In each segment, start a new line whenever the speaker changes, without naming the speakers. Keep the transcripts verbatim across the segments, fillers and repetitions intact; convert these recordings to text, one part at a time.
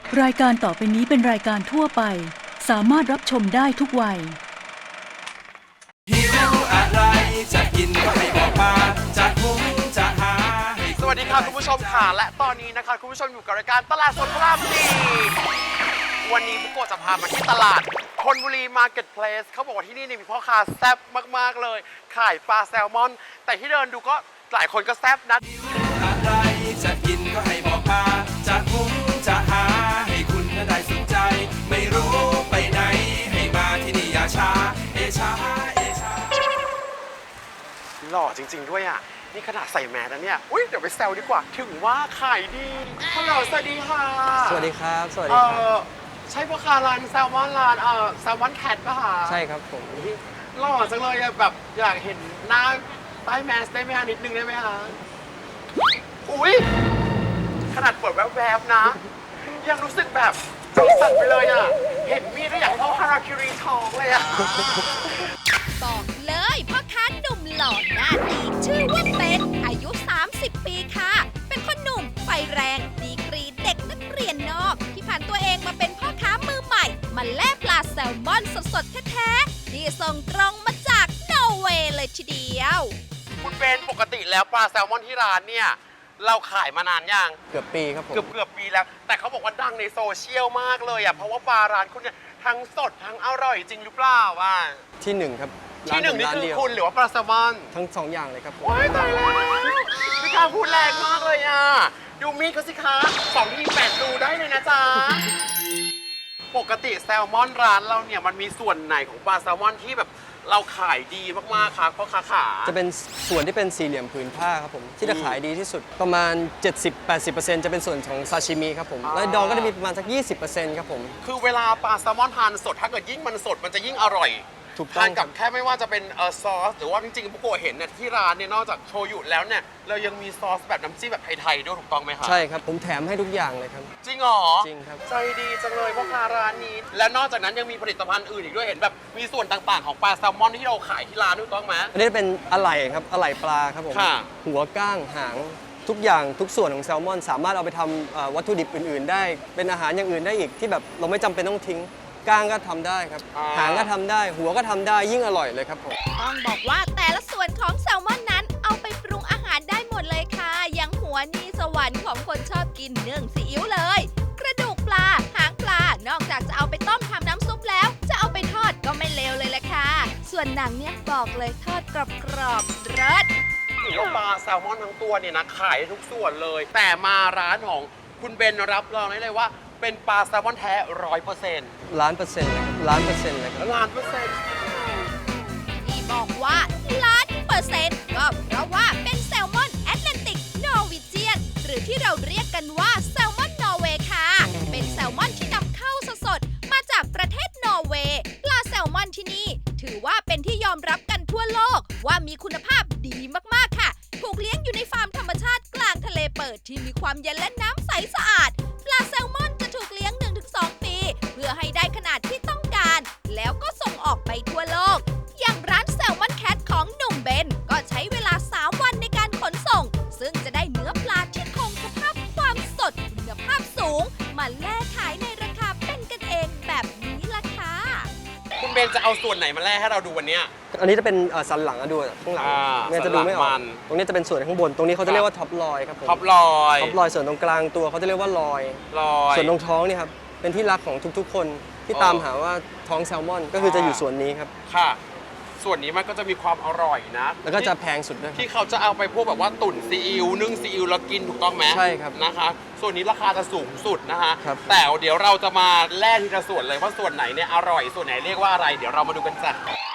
รายการต่อไปนี้เป็นรายการทั่วไปสามารถรับชมได้ทุกวัย
หิวอะไรจะกินก็ให้บอกมาจะหุงจะหาสวัสดีค่ะคุณผู้ชมค่ะและตอนนี้นะคะคุณผู้ชมอยู่กับรายการตลาดสดพระรามสี่วันนี้บุโกะจะพามาที่ตลาดธนบุรีมาร์เก็ตเพลสเขาบอกว่าที่นี่มีพ่อค้าแซ่บมากๆเลยขายปลาแซลมอนแต่ที่เดินดูก็หลายคนก็แซ่บนะหิวอะไรจะกินก็ให้บอกมาจะหุงจะหาให้คุณได้สนใจไม่รู้ไปไหนให้มาที่นี่อย่าช้าเอชาเอชาหล่อจริงๆด้วยอ่ะนี่ขนาดใส่แมสแล้วเนี่ยอุ้ยเดี๋ยวไปแซวดีกว่าถึงว่าขายดีฮัลโหลสวัสดีค่ะ
สวัสดีครับสวัส
เอ
ดีครับ
อใช่พ่อค้าร้านแซลมอนร้านเออแซลมอนแคทป่ะคะ
ใช่ครับผม
หล่อจังเลยอะแบบอยากเห็นหน้าใต้แมสได้ไหมคะนิดนึงได้ไหมคะอุ้ยขนาดเปิดแวบๆนะ ยังรู้สึกแบบใจสั่นไปเลยอ่ะเห็นมีดแล้วอยากเข้าฮาราคิรีทองเลยอ่ะ
บอกเลยพ่อค้าหนุ่มหล่อหน้าดีชื่อว่าเป็นอายุ สามสิบ ปีค่ะ เป็นคนหนุ่มไฟแรงดีกรีเด็กนักเรียนนอกที่ผ่านตัวเองมาเป็นพ่อค้ามือใหม่มาแล่ปลาแซลมอนสดๆแท้ๆที่ส่งตรงมาจากนอร์เวย์เลยทีเดียว
คุณเป็นปกติแล้วปลาแซลมอนที่ร้านเนี่ยเราขายมานานยัง
เกือบปีครับผม
เกือบเกือบปีแล้ว แต่เขาบอกว่าดังในโซเชียลมากเลยอ่ะเพราะว่าปลาร้านคุณเนี่ยทั้งสดทั้งอร่อยจริงหรือเปล่าอ่ะ
ที่หนึ่งครับ
ที่หนึ่งนี่
ร้า
คือ
เดียว
คุณหรือว่าปลาแซลมอน
ทั้งสองอย่างเลยครับผม
ว้ายตายแล้วพี่การพูดแรงมากเลยอ่ะดูมีดเขาสิคะสองที่แปดรูได้เลยนะจ๊ะปกติแซลมอนร้านเราเนี่ยมันมีส่วนไหนของปลาแซลมอนที่แบบเราขายดีมากๆคะเพราะค้าขา
จะเป็นส่วนที่เป็นสี่เหลี่ยมผืนผ้าครับผมที่จะขายดีที่สุดประมาณ เจ็ดสิบถึงแปดสิบเปอร์เซ็นต์ จะเป็นส่วนของซาชิมิครับผมและดองก็จะมีประมาณสัก ยี่สิบเปอร์เซ็นต์ ครับผม
คือเวลาปลาแซลมอนทานสดถ้าเกิดยิ่งมันสดมันจะยิ่งอร่อย
ถูกต้
ทา
อน งค
กั
รั
บบ แค่ไม่ว่าจะเป็นเออซอสหรือว่าจริงๆพวกโกเห็นเนี่ยที่ร้านเนี่ยนอกจากโชยุแล้วเนี่ยเรายังมีซอสแบบน้ำจิ้มแบบไทยๆด้วยถูกต้องไหมคะ
ใช่ครับผมแถมให้ทุกอย่างเลยครับ
จริงเหรอ
จริงครับ
ใจดีจังเลยพ่อค้าร้านนี้ และนอกจากนั้นยังมีผลิตภัณฑ์อื่นอีกด้วยเห็นแบบมีส่วนต่างๆของปลาแซลมอนที่เราขายที่ร้านถูกต้องไหม
อันนี้เป็นอะไหล่ครับอะไหล่ปลาครับผม
ค่ะ
หัวก้างหางทุกอย่างทุกส่วนของแซลมอน สามารถเอาไปทำเอ่อวัตถุดิบอื่นๆ ได้เป็นอาหารอย่างอื่นได้อีกที่แบบเราไม่จำเป็นต้องทิ้งก้างก็ทำได้ครับหางก็ทำได้ หัวก็ทำได้ยิ่งอร่อยเลยครับผม
ต้องบอกว่าแต่ละส่วนของแซลมอนนั้นเอาไปปรุงอาหารได้หมดเลยค่ะอย่างหัวนี่สวรรค์ของคนชอบกินเนื่องซีอิ๊วเลย กระดูกปลาหางปลานอกจากจะเอาไปต้มทำน้ำซุปแล้ว จะเอาไปทอดก็ไม่เลวเลยแหละค่ะ ส่วนหนังเนี่ยบอกเลยทอดกรอบๆเลิศ
ถือว่าปลาแซลมอนทั้งตัวเนี่ยนะขายได้ทุกส่วนเลย แต่มาร้านของคุณเบนรับรองได้เลยว่าเป็นปลาแซลมอนแท้ร้อยเปอร์เซ็นต์
ล้านเปอร์เซ็นต์เลยครับล้านเปอร์เซ็นต์เลยครับ
ล้านเปอร์เซ็นต์
ที่บอกว่าล้านเปอร์เซ็นต์ก็เพราะว่าเป็นแซลมอนแอตแลนติกนอร์วีเจียนหรือที่เราเรียกกันว่าแซลมอนนอร์เวย์ค่ะ เป็นแซลมอนที่นำเข้าสดๆมาจากประเทศนอร์เวย์ปลาแซลมอนที่นี่ถือว่าเป็นที่ยอมรับกันทั่วโลกว่ามีคุณภาพดีมากๆค่ะ ถูกเลี้ยงอยู่ในฟาร์มธรรมชาติกลางทะเลเปิดที่มีความเย็นและน้ำใสสะอาดปลาแซลมอนจะถูกเลี้ยง หนึ่งถึงสอง ปี เพื่อให้ได้ขนาดที่ต้องการ แล้วก็ส่งออกไปทั่วโลก อย่างร้านแซลมอนแคทของหนุ่มเบนก็ใช้เวลา สาม วันในการขนส่ง ซึ่งจะได้เนื้อปลาที่คงสภาพความสดคุณภาพสูง มาแล่ขายในราคาเป็นกันเองแบบนี้ล่ะค่ะ
คุณเบนจะเอาส่วนไหนมาแล่ให้เราดูวันเนี้ย
อันนี้จะเป็นเอ่อสันหลังอะดูข้างหลัง
อ่า
เนี่ยจะดูไม่อ
สันหลั
อก
งมัน
ตรงนี้จะเป็นส่วนข้างบน ตรงนี้เขาจะเรียกว่าท็อปลอยครับผม
ท็อปลอย
ท็อปลอยส่วนตรงกลางตัวเขาจะเรียกว่าลอย
ลอย
ส่วนตรงท้องนี่ครับเป็นที่รักของทุกๆ คนที่
อ๋อ
ตามหาว่าท้องแซลมอน ก็คือจะอยู่ส่วนนี้ครับ
ค่ะ ส่วนนี้มันก็จะมีความอร่อยนะ
แล้วก็จะแพงสุดด้วยครับ
ที่เขาจะเอาไปพวกแบบว่าตุ๋นซีอิ๊วนึ่งซีอิ๊วแล้วกินถูกต้องไหม
ใช่ครับ
นะคะ ส่วนนี้ราคาจะสูงสุดนะคะ
ครับ
แต่เดี๋ยวเราจะมาแล่ทีละส่วนเลยว่าส่วนไหนเนี่ยอร่อยส่วนไหนเรียกว่าอะไร เดี๋ยวเรามาดูกันจ้ะ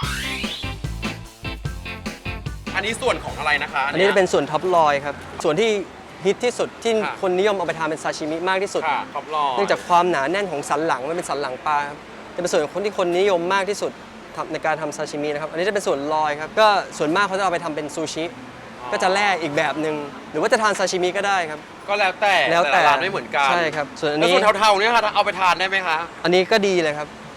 อันนี้ส่วนของอะไรนะคะ
อันนี้จะเป็นส่วนท็อปลอยครับส่วนที่ฮิตที่สุดที่
ค่ะ
คนนิยมเอาไปทานเป็นซาชิมิมากที่สุด
ค่ะท็อปลอย
เนื่องจากความหนาแน่นของสันหลังมันเป็นสันหลังปลาครับจะเป็นส่วนของคนที่คนนิยมมากที่สุดทำในการทำซาชิมินะครับอันนี้จะเป็นส่วนลอยครับก็ส่วนมากเขาจะเอาไปทำเป็นซูชิก็จะแล่อีกแบบหนึ่งหรือว่าจะทานซาชิมิก็ได้ครับ
ก็แล้วแต่
แล้วแต่
ละร้านไม่เหมือนกัน
ใช่ครับส่วนอัน
แล้ว
นี้
ส่วนเทาๆเนี่ยค่ะเอาไปทานได้ไหมคะ
อันนี้ก็ดีเลยครับ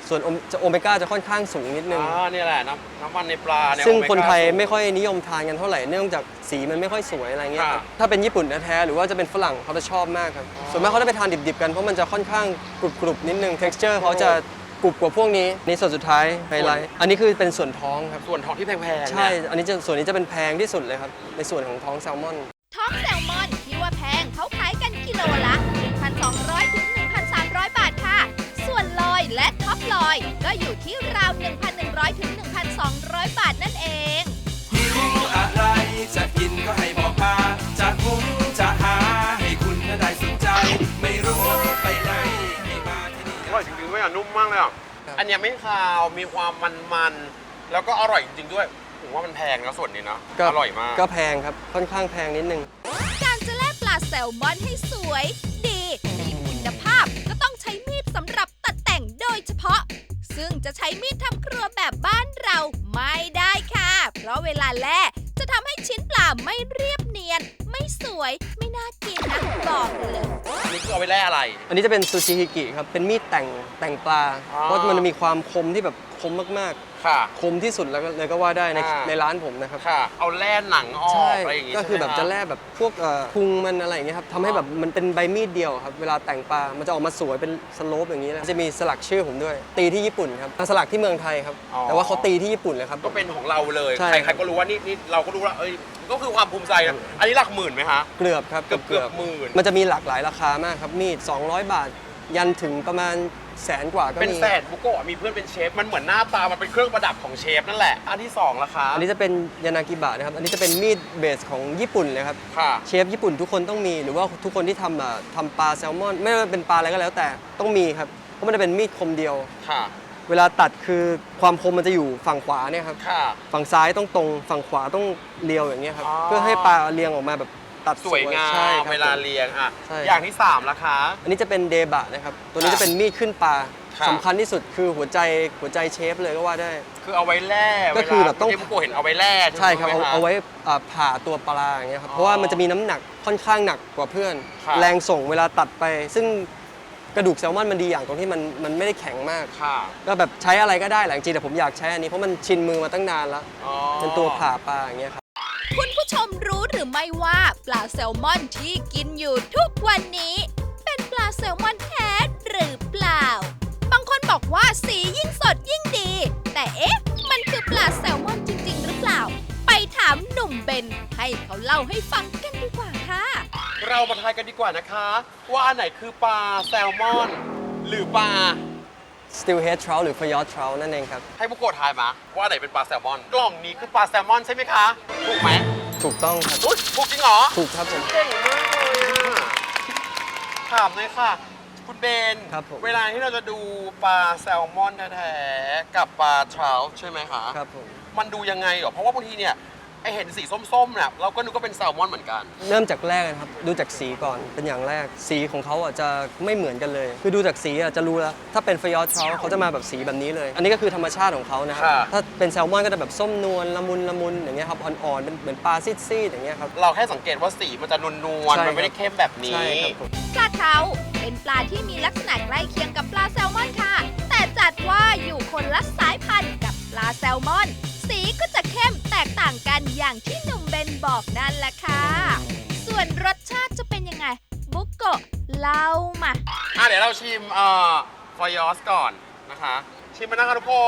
ส่วนโอจะโอเมก้าจะค่อนข้างสูงนิดนึง
อ่าเนี่ยแหละน้ำน้ำมันในปลาเนี่ย
ซึ่ง
โอเมก้า
คนไทย
สูง
ไม่ค่อยนิยมทานกันเท่าไหร่เนื่องจากสีมันไม่ค่อยสวยอะไรเงี้ยครับ
ค่ะ
ถ้าเป็นญี่ปุ่นแท้ๆหรือว่าจะเป็นฝรั่งเขาจะชอบมากครับส่วนมากเขาจะไปทานดิบๆกันเพราะมันจะค่อนข้างกรุบๆนิดนึง texture เขาจะกรุบกว่าพวกนี้นี่ส่วนสุดท้ายไฮไลท์อันนี้คือเป็นส่วนท้องครับ
ส่วนทองที่แพงๆ
ใช่
เนี่ย
อันนี้จะส่วนนี้จะเป็นแพงที่สุดเลยครับในส่วนของท้องแซลมอน
ท้องแซลมอนที่ว่าแพงเขาขายกันกิโลละ หนึ่งพันสองร้อย ถึง หนึ่งพันสามร้อย บาทค่ะ ส่วนลอยและท็อปลอยก็อยู่ที่ราว หนึ่งพันหนึ่งร้อย ถึง หนึ่งพันสองร้อย บาทนั่นเอง
หิวอะไรจะกินก็ให้บอกมาจะหุงจะหาให้คุณน่ะได้สนใจ ไม่รู้ไปไหนให้มาที่นี่
อร่อยจริงๆด้วยอ่ะนุ่มมากเลยอ่ะ
ครับ
อันเนี้ยไม่คาวมีความมันๆแล้วก็อร่อยจริงๆด้วยผมว่ามันแพงนะส่วนนี้นะอร่อยมาก
ก็แพงครับค่อนข้างแพงนิดนึง
การจะแล่ปลาแซลมอนให้สวย ดีมีคุณภาพก็ต้องใช้มีดสำหรับตัดแต่งโดยเฉพาะ ซึ่งจะใช้มีดทำครัวแบบบ้านเราไม่ได้ค่ะ เพราะเวลาแล่จะทำให้ชิ้นปลาไม่เรียบเนียน ไม่สวยไม่น่ากินนะบอกเลย
อันนี้คือเอาไปแล่อะไร
อันนี้จะเป็นซูชิฮิกิครับเป็นมีดแต่งแต่งปลา
อ๋อ
เพราะมันมีความคมที่แบบคมมาก
ค่ะ
ๆ คมที่สุดแล้วก็เลยก็ว่าได้ใน
อ่า
ในร้านผมนะครับ
ค่ะ เอาแล่หนังออ
ใช่
กอะไรอย่างงี้
ก็คือแบบ
ใช่
จะ
ไหม
แล่แบบพวกเอ่อพุงมันอะไรอย่างเงี้ยครับทำให้แบบมันเป็นใบมีดเดียวครับเวลาแต่งปลา มันจะออกมาสวยเป็นสโลปอย่างนี้นะจะมีสลักชื่อผมด้วย ตีที่ญี่ปุ่นครับสลักที่เมืองไทยครับ
อ๋อ
แต่ว่าเขาตีที่ญี่ปุ่นเลยครับ
ก็เป็นของเราเลย
ใช่
ใครๆก็รู้ว่านี่นี่เราก็รู้ว่าเอ้ยก็คือความภูมิใจนะอันนี้หลักหมื่นไหมคะ
เกือบครับ
เกือบเกือบหมื่น
มันจะมีหลากหลายราคามากครับมีด สองร้อย บาท ยันถึงประมาณแสนกว่าก็
เป็น
มี
แสนบุโกะมีเพื่อนเป็นเชฟมันเหมือนหน้าตามันเป็นเครื่องประดับของเชฟนั่นแหละอันที่สองละคะ
อันนี้จะเป็นยานากิบะนะครับ อันนี้จะเป็นมีดเบสของญี่ปุ่นเลยครับ
ค่ะ
เชฟญี่ปุ่นทุกคนต้องมี หรือว่าทุกคนที่ทำอ่ะทำปลาแซลมอน ไม่ว่าเป็นปลาอะไรก็แล้วแต่ต้องมีครับ เพราะมันจะเป็นมีดคมเดียว
ค่ะ
เวลาตัดคือความคมมันจะอยู่ฝั่งขวาเนี่ยครับ
ค่ะ
ฝั่งซ้ายต้องตรง ฝั่งขวาต้องเรียวอย่างเงี้ยครับ
อ๋อ
เพื่อให้ปลาเรียงออกมาแบบตัด
สวยงา
ใช่
ม
ครับ
เวลาเรียงอ่ะ
ใช่
อย่างที่สามละคะ
อันนี้จะเป็นเดบะนะครับ ตัวนี้
ค่ะ
จะเป็นมีดขึ้นปลา
ค่ะ
สำคัญที่สุดคือหัวใจหัวใจเชฟเลยก็ว่าได้
คือเอาไว้แล่
ก็คือแบบต้อง
เวลาเชฟบุโกะเห็นเอาไว้แล่
ใช่ครับ
ไหม
เอา
ะ
เอาไว้อ่าผ่าตัวปลาอย่างเงี้ยครับ
อ๋อ
เพราะว่ามันจะมีน้ำหนักค่อนข้างหนักกว่าเพื่อน
ครับ
แรงส่งเวลาตัดไป ซึ่งกระดูกแซลมอนมันดีอย่างตรงที่มันมันไม่ได้แข็งมาก
ค่ะ
ก็แบบใช้อะไรก็ได้แหละจริงๆแต่ผมอยากใช้อันนี้เพราะมันชินมือมาตั้งนานแล้ว
อ๋อ
เป็นตัวผ่าปลาอย่างเงี้ยครับ
คุณผู้ชมรู้หรือไม่ว่าปลาแซลมอนที่กินอยู่ทุกวันนี้ เป็นปลาแซลมอนแท้หรือเปล่า บางคนบอกว่าสียิ่งสดยิ่งดี แต่เอ๊ะ มันคือปลาแซลมอนจริง ๆ หรือเปล่า ไปถามหนุ่มเบนให้เขาเล่าให้ฟังกันดีกว่าค่ะ
เรามาทายกันดีกว่านะคะ ว่าอันไหนคือปลาแซลมอน หรือปลา
Steelhead Trout หรือ Fayard Trout นั่นเองครับ
ให้บุโกะทายมาว่าอันไหนเป็นปลาแซลมอน กล่องนี้คือปลาแซลมอนใช่ไหมคะถูกไหม
ถูกต้องครับ
อุ๊ยถูกจริงเหรอ
ถูกครับผม
เก่งมากเลยอะถามเลยค่ะ คุณเบน
ครับผม
เวลาที่เราจะดูปลาแซลมอนแท้ๆกับปลาทราวใช่ไหมคะ
ครับผม
มันดูยังไงเหรอ เพราะว่าบางทีเนี่ยไอเห็นสีส้มๆเนี่ยเราก็นึกว่าเป็นแซลมอนเหมือนกัน
เริ่มจากแรกนะครับดูจากสีก่อนเป็นอย่างแรกสีของเขาอ่ะจะไม่เหมือนกันเลย คือดูจากสีอ่ะจะรู้แล้วถ้าเป็น Fayard Trout เขาจะมาแบบสีแบบนี้เลย อันนี้ก็คือธรรมชาติของเขานะครับ
ค่ะ
ถ้าเป็นแซลมอนก็จะแบบส้มนวลละมุนละมุนอย่างเงี้ยครับอ่อนๆเป็นเหมือนปลาซีดๆอย่างเงี้ยครับ
เราแค่สังเกตว่าสีมันจะนวล
ใช่
ๆ มันไม่ได้เข้มแบบนี้
ใช่ครับผม
ปลาเทาเป็นปลาที่มีลักษณะใกล้เคียงกับปลาแซลมอนค่ะ แต่จัดว่าอยู่คนละสายพันธุ์กับปลาแซลมอน สีก็จะเข้มแตกต่างกันอย่างที่หนุ่มเบนบอกนั่นแหละค่ะ ส่วนรสชาติจะเป็นยังไง บุกโกะเล่ามา
อ่ะเดี๋ยวเราชิมเอ่อฟอยอสก่อนนะคะ ชิมมานะคะทุกคน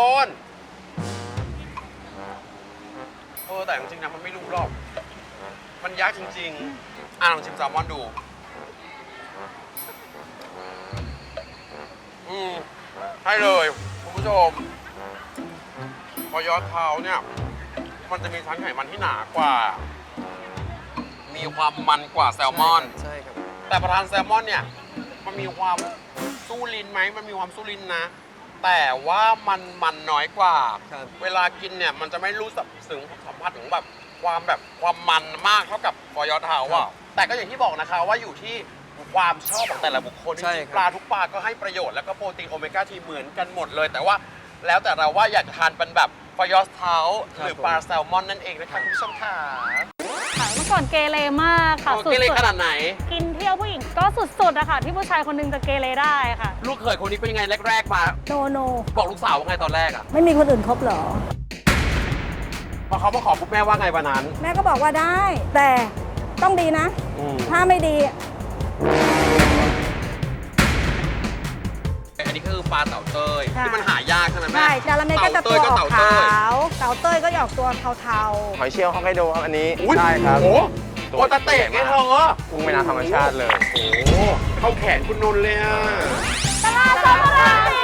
เออแต่จริงๆนะมันไม่รู้หรอก มันยากจริงๆ อ่ะลองชิมแซลมอนดู อืมให้เลยคุณผู้ชมฟอยอสเท้าเนี่ย มันจะมีชั้นไขมันที่หนากว่า มีความมันกว่าแซลมอน
ใช่ครับ
แต่ประทานแซลมอนเนี่ย มันมีความสู้ลิ้นไหม มันมีความสู้ลิ้นนะ แต่ว่ามันมันน้อยกว่า
ครับ
เวลากินเนี่ย มันจะไม่รู้สึกถึงสัมผัสถึงแบบความแบบความมันมากเท่ากับฟอยอเทาอ่ะแต่ก็อย่างที่บอกนะคะว่าอยู่ที่ความชอบของแต่ละบุคคลจ
ใช่
ริง
ครับ
ๆปลาทุกปลาก็ให้ประโยชน์แล้วก็โปรตีนโอเมก้าทีเหมือนกันหมดเลย แต่ว่าแล้วแต่เราว่าอยากจะทานเป็นแบบฟอยอสเทาหรือปลาแซลมอนนั่นเองนะคะคุณผู้ชมค่ะ
มื่อก่อนเกเรมากค่ะ
เกเรขนาดไหน
กินเที่ยวผู้หญิงก็สุดๆอะค่ะที่ผู้ชายคนหนึงจะเกเรได้ค่ะ
ลูกเขยคนนี้เป็นยังไงแรกๆมา
โนโน
บอกลูกสาวว่าไงตอนแรกอะ
ไม่มีคนอื่นคบเหรอ
พอเขามาขอปุ๊บแม่ว่าไงวันนั้น
แม่ก็บอกว่าได้ แต่ต้องดีนะ
อืม
ถ้าไม่ดี
อันนี้ก็คือปลาเต่าเต้ย
ใช่
ที่มันหายากใช่ไหมแม่
ใช่จาระเมก็จะ
เต่า
ตั
เต้
วย อ
ก็
อก
เต่า
ขา
เต้ย
ว เต่าเต้ยก็จะออกตัวเทา
หอยเชลล์ฮอกไกโดครับอันนี้
อุ๊ย
ใช่ครับ
โอ้โหโคตรเตะไงเธอ
กุ้งแม่น้ำธรรมชาติเลย
โอ้โหเข้าแขนคุณนนท์เลยอะ
ตลาดสดพระราม